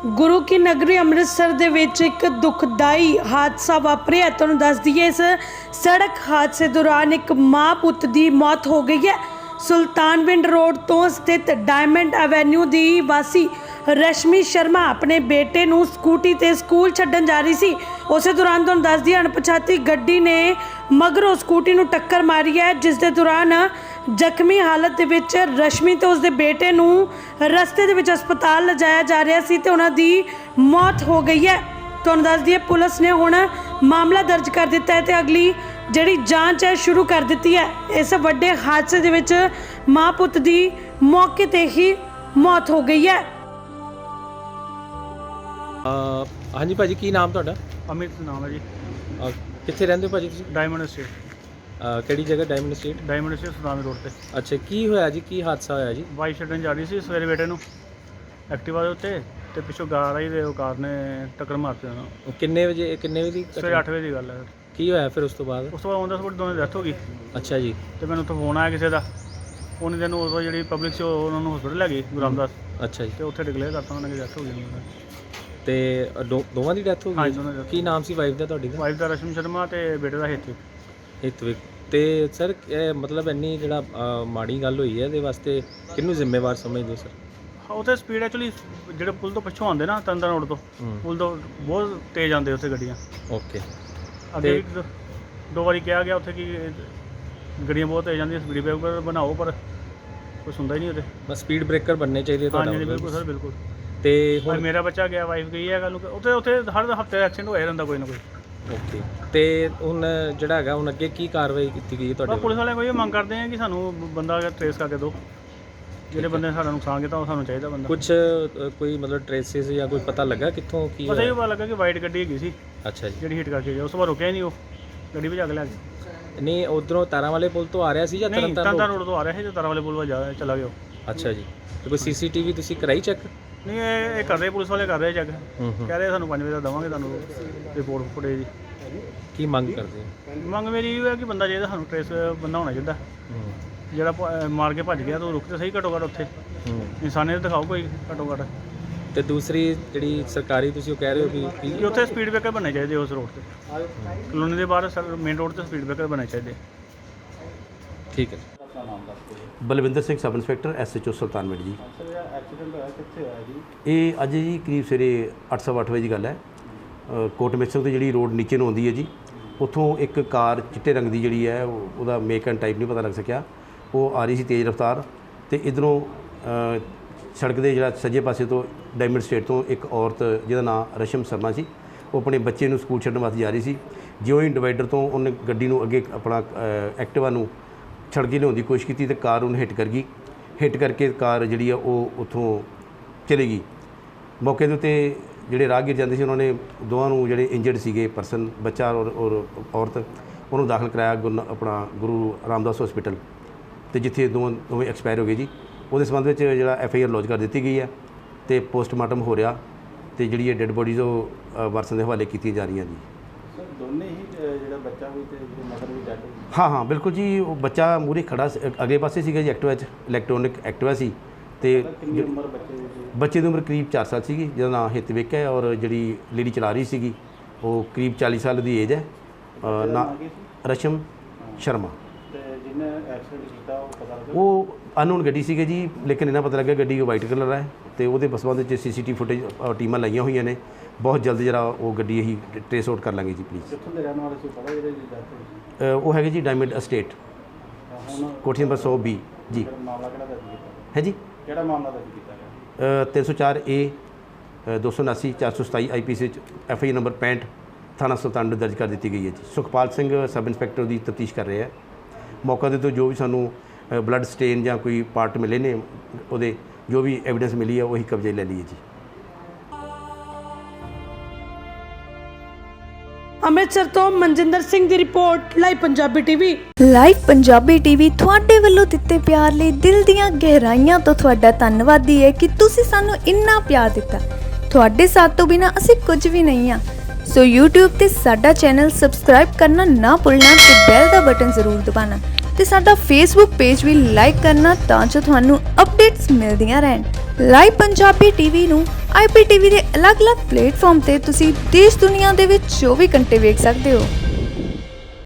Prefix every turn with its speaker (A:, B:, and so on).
A: गुरु की नगरी अमृतसर दे विच एक दुखदाई हादसा वापरिया। तुहानूं दस दईए इस सड़क हादसे दौरान एक मां पुत की मौत हो गई है। सुल्तानविंड रोड तो स्थित डायमंड एवेन्यू की वासी रश्मि शर्मा अपने बेटे नूं स्कूटी ते स्कूल छड्डण जा रही सी। उस दौरान तुहानूं दस दईए अणपछाती गड्डी ने मगरों स्कूटी नूं टक्कर मारी है, जिस दे दौरान जख्मी हालत दे विच रश्मि ते उसदे बेटे नूं रस्ते दे विच अस्पताल लिजाया जा रहा सी ते उन्हां दी मौत हो गई है। तुहानूं दस दईए पुलिस ने हुण मामला दर्ज कर दिता है ते अगली जिहड़ी जांच है शुरू कर दी है। इस वड्डे हादसे दे विच मां पुत दी मौके ते ही मौत हो गई है।
B: हाँ जी भाजी, की नाम तुहाडा?
C: अमित नाम है जी।
B: कित्थे रहिंदे हो भाजी तुसीं?
C: डायमंड स्टेट
B: किहड़ी जगह? Diamond street.
C: Diamond state Sultanwind road पे।
B: अच्छा, की होया जी? की हादसा होया जी?
C: बाइक छड्डਣ जा ਰਹੀ ਸੀ ਸਵੇਰੇ ਬੇਟੇ ਨੂੰ ਐਕਟਿਵਾ ਦੇ ਉੱਤੇ ਤੇ ਪਿੱਛੋਂ ਕਾਰ ਆਈ ਤੇ ਉਹ ਕਾਰ ਨੇ ਟੱਕਰ ਮਾਰਤੀ ਉਹਨੂੰ।
B: ਕਿੰਨੇ ਵਜੇ ਦੀ
C: ਸਵੇਰੇ 8 ਵਜੇ ਦੀ ਗੱਲ ਹੈ।
B: ਕੀ ਹੋਇਆ ਫਿਰ ਉਸ ਤੋਂ ਬਾਅਦ?
C: ਉਸ ਤੋਂ ਬਾਅਦ ਉਹਨਾਂ ਸਪੋਰਟ ਦੋਨੇ ਡੈਥ ਹੋ ਗਈ।
B: ਅੱਛਾ ਜੀ।
C: ਤੇ ਮੈਨੂੰ ਉੱਥੋਂ ਫੋਨ ਆਇਆ ਕਿਸੇ ਦਾ, ਉਹਨੇ ਦਿਨ ਉਦੋਂ ਜਿਹੜੀ ਪਬਲਿਕ ਸੀ ਉਹਨਾਂ ਨੂੰ ਹਸਪੀਟਲ ਲੈ ਗਈ ਗੁਰੂ ਰਾਮਦਾਸ।
B: ਅੱਛਾ ਜੀ।
C: ਤੇ ਉੱਥੇ ਡਿਕਲੇਅਰ ਕਰਤਾ ਉਹਨਾਂ ਨੇ ਕਿ ਡੈਥ ਹੋ ਗਈ।
B: ਤੇ ਦੋਵਾਂ ਦੀ ਡੈਥ ਹੋ
C: ਹਾਂ
B: ਗਈ?
C: ਜੀ, ਦੋਨਾਂ ਦੀ death।
B: ਕੀ ਨਾਮ ਸੀ ਵਾਈਫ ਦਾ ਤੁਹਾਡੀ ਦਾ?
C: ਵਾਈਫ ਦਾ ਰਸ਼ਮੀ ਸ਼ਰਮਾ ਤੇ ਬੇਟੇ ਦਾ
B: ਹਿਤਵਿਕ। ਤੇ ਸਰ ਮਤਲਬ ਇੰਨੀ ਜਿਹੜਾ ਮਾੜੀ ਗੱਲ ਹੋਈ ਹੈ ਇਹਦੇ ਵਾਸਤੇ ਕਿਹਨੂੰ ਜ਼ਿੰਮੇਵਾਰ ਸਮਝਦੇ ਹੋ ਸਰ?
C: ਹਾਂ, ਉੱਥੇ ਸਪੀਡ ਐਕਚੁਅਲੀ ਜਿਹੜੇ ਪੁਲ ਤੋਂ ਪਿੱਛੋਂ ਆਉਂਦੇ ਨਾ ਤੰਦਰ ਰੋਡ ਤੋਂ, ਪੁਲ ਤੋਂ ਬਹੁਤ ਤੇਜ਼ ਆਉਂਦੇ ਉੱਥੇ ਗੱਡੀਆਂ।
B: ਓਕੇ।
C: ਅੱਗੇ ਵੀ ਦੋ ਵਾਰੀ ਕਿਹਾ ਗਿਆ ਉੱਥੇ ਕਿ ਗੱਡੀਆਂ ਬਹੁਤ ਤੇਜ਼ ਜਾਂਦੀਆਂ, ਸਪੀਡ ਬ੍ਰੇਕਰ ਬਣਾਓ, ਪਰ ਕੁਛ ਹੁੰਦਾ ਹੀ ਨਹੀਂ ਉੱਥੇ।
B: ਬਸ ਸਪੀਡ ਬ੍ਰੇਕਰ ਬਣਨੇ ਚਾਹੀਦੇ ਤੁਹਾਡਾ?
C: ਹਾਂਜੀ ਬਿਲਕੁਲ ਸਰ, ਬਿਲਕੁਲ।
B: ਤੇ
C: ਹੁਣ
B: ਹੁਣ
C: ਮੇਰਾ ਬੱਚਾ ਗਿਆ, ਵਾਈਫ ਗਈ ਹੈ ਕੱਲ੍ਹ ਨੂੰ। ਉੱਥੇ ਹਰ ਹਫਤੇ ਐਕਸੀਡੈਂਟ ਹੋਇਆ ਰਹਿੰਦਾ ਕੋਈ ਨਾ ਕੋਈ।
B: ਓਕੇ। ਤੇ ਹੁਣ ਜਿਹੜਾ ਹੈਗਾ ਹੁਣ ਅੱਗੇ ਕੀ ਕਾਰਵਾਈ ਕੀਤੀ ਗਈ ਹੈ ਤੁਹਾਡੇ?
C: ਪੁਲਿਸ ਵਾਲਿਆਂ ਕੋਈ ਇਹ ਮੰਗ ਕਰਦੇ ਆ ਕਿ ਸਾਨੂੰ ਬੰਦਾ ਟਰੇਸ ਕਰਕੇ ਦਿਓ, ਜਿਹੜੇ ਬੰਦੇ ਨੇ ਸਾਡਾ ਨੁਕਸਾਨ ਕੀਤਾ ਉਹ ਸਾਨੂੰ ਚਾਹੀਦਾ ਬੰਦਾ।
B: ਕੁਝ ਕੋਈ ਮਤਲਬ ਟ੍ਰੇਸਿਸ ਜਾਂ ਕੋਈ ਪਤਾ ਲੱਗਾ ਕਿੱਥੋਂ ਕੀ
C: ਪਤਾ ਹੀ ਪਤਾ ਲੱਗਾ ਕਿ ਵਾਈਟ ਗੱਡੀ ਹੈਗੀ ਸੀ
B: ਅੱਛਾ ਜੀ।
C: ਜਿਹੜੀ ਹਿੱਟ ਕਰਕੇ ਗਿਆ। ਉਸ ਤੋਂ ਬਾਅਦ ਰੁਕਿਆ ਹੀ ਨਹੀਂ, ਉਹ ਗੱਡੀ ਭਜਾ ਕੇ ਲੈ ਗਿਆ।
B: ਨਹੀਂ, ਉਧਰੋਂ ਤਾਰਾਂ ਵਾਲੇ ਪੁਲ ਤੋਂ ਆ ਰਿਹਾ ਸੀ ਜਾਂ
C: ਨਹੀਂ, ਤੰਦਰ ਰੋਡ ਤੋਂ ਆ ਰਿਹਾ ਸੀ, ਤੇ ਤਾਰਾਂ ਵਾਲੇ ਪੁਲ ਵੱਲ ਚਲਾ ਗਿਆ ਉਹ।
B: ਅੱਛਾ ਜੀ। ਤੇ ਕੋਈ ਸੀਸੀਟੀਵੀ ਤੁਸੀਂ ਕਰਾਈ ਚੈੱਕ?
C: ਨਹੀਂ, ਇਹ ਕਰ ਰਹੇ, ਪੁਲਿਸ ਵਾਲੇ ਕਰ ਰਹੇ ਚੈੱਕ। ਕਹਿ ਰਹੇ ਸਾਨੂੰ 5 ਵਜੇ ਦਾ ਦੇਵਾਂਗੇ ਤੁਹਾਨੂੰ ਰਿਪੋਰਟ ਫੁਟੇਜ ਦੀ।
B: ਕੀ ਮੰਗ ਕਰਦੇ ਹੋ?
C: ਮੰਗ ਮੇਰੀ ਇਹ ਹੈ ਕਿ ਬੰਦਾ ਚਾਹੀਦਾ ਸਾਨੂੰ, ਟਰੇਸ ਬੰਦਾ ਹੋਣਾ ਚਾਹੀਦਾ ਜਿਹੜਾ ਮਾਰ ਕੇ ਭੱਜ ਗਿਆ। ਤਾਂ ਰੁਕ ਤੇ ਸਹੀ ਘੱਟੋ ਘੱਟ ਉੱਥੇ ਇਨਸਾਨੀਅਤ ਦਿਖਾਓ ਕੋਈ ਘੱਟੋ ਘੱਟ।
B: ਤੇ ਦੂਸਰੀ ਜਿਹੜੀ ਸਰਕਾਰੀ ਤੁਸੀਂ ਉਹ ਕਹਿ ਰਹੇ ਹੋ
C: ਕਿ ਉੱਥੇ ਸਪੀਡ ਬ੍ਰੇਕਰ ਬਣਨੇ ਚਾਹੀਦੇ ਉਸ ਰੋਡ ਤੇ, ਕਲੋਨੀ ਦੇ ਬਾਹਰ ਮੇਨ ਰੋਡ ਤੇ ਸਪੀਡ ਬ੍ਰੇਕਰ ਬਣਨੇ ਚਾਹੀਦੇ।
B: ਠੀਕ ਹੈ।
D: Balwinder Singh sub inspector SHO Sultanwind ji. ਇਹ ਅੱਜ ਜੀ ਕਰੀਬ ਸਵੇਰੇ 8:15 ਵਜੇ ਦੀ ਗੱਲ ਹੈ। ਕੋਟ ਮਿਸਰ ਤੋਂ ਜਿਹੜੀ ਰੋਡ ਨੀਚੇ ਨੂੰ ਆਉਂਦੀ ਹੈ ਜੀ, ਉੱਥੋਂ ਇੱਕ ਕਾਰ ਚਿੱਟੇ ਰੰਗ ਦੀ ਜਿਹੜੀ ਹੈ ਉਹਦਾ ਮੇਕ ਐਂਡ ਟਾਈਪ ਨਹੀਂ ਪਤਾ ਲੱਗ ਸਕਿਆ, ਉਹ ਆ ਰਹੀ ਸੀ ਤੇਜ਼ ਰਫ਼ਤਾਰ। ਤੇ ਇੱਧਰੋਂ ਸੜਕ ਦੇ ਜਿਹੜਾ ਸੱਜੇ ਪਾਸੇ ਤੋਂ ਡਾਇਮੰਡ ਸਟੇਟ ਤੋਂ ਇੱਕ ਔਰਤ ਜਿਹਦਾ ਨਾਮ ਰਸ਼ਮ ਸ਼ਰਮਾ ਸੀ, ਉਹ ਆਪਣੇ ਬੱਚੇ ਨੂੰ ਸਕੂਲ ਛੱਡਣ ਵਾਸਤੇ ਜਾ ਰਹੀ ਸੀ। ਜਿਉਂ ਹੀ ਡਿਵਾਈਡਰ ਤੋਂ ਉਹਨੇ ਗੱਡੀ ਨੂੰ ਅੱਗੇ ਆਪਣਾ ਐਕਟਿਵਾ ਨੂੰ ਛੱਡ ਕੇ ਲਿਆਉਣ ਦੀ ਕੋਸ਼ਿਸ਼ ਕੀਤੀ ਤੇ ਕਾਰ ਉਹਨੂੰ ਹਿੱਟ ਕਰ ਗਈ। ਹਿੱਟ ਕਰਕੇ ਕਾਰ ਜਿਹੜੀ ਆ ਉਹ ਉੱਥੋਂ ਚਲੀ ਗਈ। ਮੌਕੇ ਦੇ ਉੱਤੇ ਜਿਹੜੇ ਰਾਹਗੀਰ ਜਾਂਦੇ ਸੀ ਉਹਨਾਂ ਨੇ ਦੋਵਾਂ ਨੂੰ ਜਿਹੜੇ ਇੰਜਰਡ ਸੀਗੇ ਪਰਸਨ, ਬੱਚਾ ਔਰ ਔਰਤ, ਉਹਨੂੰ ਦਾਖਲ ਕਰਾਇਆ ਆਪਣਾ ਗੁਰੂ ਰਾਮਦਾਸ ਹਸਪੀਟਲ, ਤੇ ਜਿੱਥੇ ਦੋਵੇਂ ਐਕਸਪਾਇਰ ਹੋ ਗਏ ਜੀ। ਉਹਦੇ ਸੰਬੰਧ ਵਿੱਚ ਜਿਹੜਾ FIR ਲੌਜ ਕਰ ਦਿੱਤੀ ਗਈ ਹੈ ਤੇ ਪੋਸਟਮਾਰਟਮ ਹੋ ਰਿਹਾ, ਤੇ ਜਿਹੜੀ ਇਹ ਡੈੱਡ ਬੋਡੀਜ਼ ਉਹ ਵਾਰਸਾਂ ਦੇ ਹਵਾਲੇ ਕੀਤੀਆਂ ਜਾ ਰਹੀਆਂ ਜੀ।
E: ਸਰ ਦੋਨੇ ਹੀ ਜਿਹੜਾ ਬੱਚਾ ਵੀ ਤੇ ਜਿਹੜੀ ਮਦਰ ਵੀ ਡੈਡ ਹੋਈ?
D: ਹਾਂ ਬਿਲਕੁਲ ਜੀ। ਉਹ ਬੱਚਾ ਮੂਹਰੇ ਖੜਾ ਅਗਲੇ ਪਾਸੇ ਸੀਗਾ ਜੀ ਐਕਟਿਵਾ 'ਚ, ਇਲੈਕਟ੍ਰੋਨਿਕ ਐਕਟਿਵਾ ਸੀ। ਤੇ
E: ਕਿੰਨੀ ਉਮਰ ਬੱਚੇ ਦੀ ਸੀ?
D: ਬੱਚੇ ਦੀ ਉਮਰ ਕਰੀਬ 4 ਸਾਲ ਸੀਗੀ, ਜਿਹਦਾ ਨਾਮ ਹਿਤਵਿਕ ਹੈ, ਔਰ ਜਿਹੜੀ ਲੇਡੀ ਚਲਾ ਰਹੀ ਸੀਗੀ ਉਹ ਕਰੀਬ 40 ਸਾਲ ਦੀ ਏਜ ਹੈ। ਨਾ ਰਸ਼ਮ ਸ਼ਰਮਾ।
E: ਤੇ ਜਿਹਨੇ ਐਕਸੀਡੈਂਟ ਕੀਤਾ ਉਹ ਪਤਾ ਲੱਗਾ?
D: ਉਹ ਅਨਨੋਨ ਗੱਡੀ ਸੀਗੀ ਜੀ, ਲੇਕਿਨ ਇਹਨਾਂ ਪਤਾ ਲੱਗਾ ਗੱਡੀ ਵਾਈਟ ਕਲਰ ਹੈ। ਤੇ ਉਹਦੇ ਸੰਬੰਧ ਵਿੱਚ CCTV ਫੁਟੇਜ ਟੀਮਾਂ ਲਾਈਆਂ ਹੋਈਆਂ ਨੇ। ਬਹੁਤ ਜਲਦ ਜਿਹੜਾ ਉਹ ਗੱਡੀ ਅਸੀਂ ਟ੍ਰੇਸ ਆਊਟ ਕਰ ਲਾਂਗੇ ਜੀ ਪਲੀਜ਼।
E: ਕਿੱਥੋਂ ਦੇ ਰਹਿਣ ਵਾਲੇ ਸੀ ਪਤਾ ਜਿਹੜੇ ਦੀ ਡੈਥ ਹੋਈ?
D: ਉਹ ਹੈਗੇ ਜੀ ਡਾਇਮੰਡ ਅਸਟੇਟ,
E: ਹੁਣ
D: ਕੋਠੀ ਨੰਬਰ 100B ਜੀ।
E: ਮਾਮਲਾ ਕਿਹੜਾ ਦਰਜ ਕੀਤਾ
D: ਹੈ ਜੀ?
E: ਕਿਹੜਾ ਮਾਮਲਾ ਦਰਜ ਕੀਤਾ ਗਿਆ?
D: 304A 279 427 IPC ਵਿੱਚ FIR ਨੰਬਰ 65 ਥਾਣਾ ਸੁਲਤਾਨਵਿੰਡ ਦਰਜ ਕਰ ਦਿੱਤੀ ਗਈ ਹੈ ਜੀ। ਸੁਖਪਾਲ ਸਿੰਘ ਸਬ ਇੰਸਪੈਕਟਰ ਦੀ ਤਫਤੀਸ਼ ਕਰ ਰਹੇ ਹੈ। ਮੌਕਾ ਦੇ ਤੋਂ ਜੋ ਵੀ ਸਾਨੂੰ ਬਲੱਡ ਸਟੇਨ ਜਾਂ ਕੋਈ ਪਾਰਟ ਮਿਲੇ ਨੇ, ਉਹਦੇ ਜੋ ਵੀ ਐਵੀਡੈਂਸ ਮਿਲੀ ਹੈ ਉਹੀ ਕਬਜ਼ੇ ਲੈ ਲਈਏ ਜੀ।
A: ਅੰਮ੍ਰਿਤਸਰ ਤੋਂ ਮਨਜਿੰਦਰ ਸਿੰਘ ਦੀ report, live Punjabi TV.
F: Live Punjabi TV ਤੁਹਾਡੇ ਵੱਲੋਂ ਦਿੱਤੇ ਪਿਆਰ ਲਈ ਦਿਲ ਦੀਆਂ ਗਹਿਰਾਈਆਂ ਤੋਂ ਤੁਹਾਡਾ ਧੰਨਵਾਦੀ ਹੈ ਕਿ ਤੁਸੀਂ ਸਾਨੂੰ ਇੰਨਾ ਪਿਆਰ ਦਿੱਤਾ। ਤੁਹਾਡੇ ਸਾਥ ਤੋਂ ਬਿਨਾਂ ਅਸੀਂ ਕੁਝ ਵੀ ਨਹੀਂ ਹਾਂ। ਸੋ YouTube ਤੇ ਸਾਡਾ ਚੈਨਲ ਸਬਸਕ੍ਰਾਈਬ ਕਰਨਾ ਨਾ ਭੁੱਲਣਾ ਤੇ ਬੈਲ ਦਾ ਬਟਨ ਜ਼ਰੂਰ ਦਬਾਉਣਾ ਤੇ ਸਾਡਾ ਫੇਸਬੁੱਕ ਪੇਜ ਵੀ ਲਾਈਕ ਕਰਨਾ ਤਾਂ ਜੋ ਤੁਹਾਨੂੰ ਅਪਡੇਟਸ ਮਿਲਦੀਆਂ ਰਹਿਣ। ਲਾਈਵ ਪੰਜਾਬੀ ਟੀਵੀ ਨੂੰ IPTV ਦੇ ਅਲੱਗ-ਅਲੱਗ ਪਲੇਟਫਾਰਮ ਤੇ ਤੁਸੀਂ ਦੇਸ਼ ਦੁਨੀਆ ਦੇ ਵਿੱਚ 24 ਘੰਟੇ ਵੇਖ ਸਕਦੇ ਹੋ।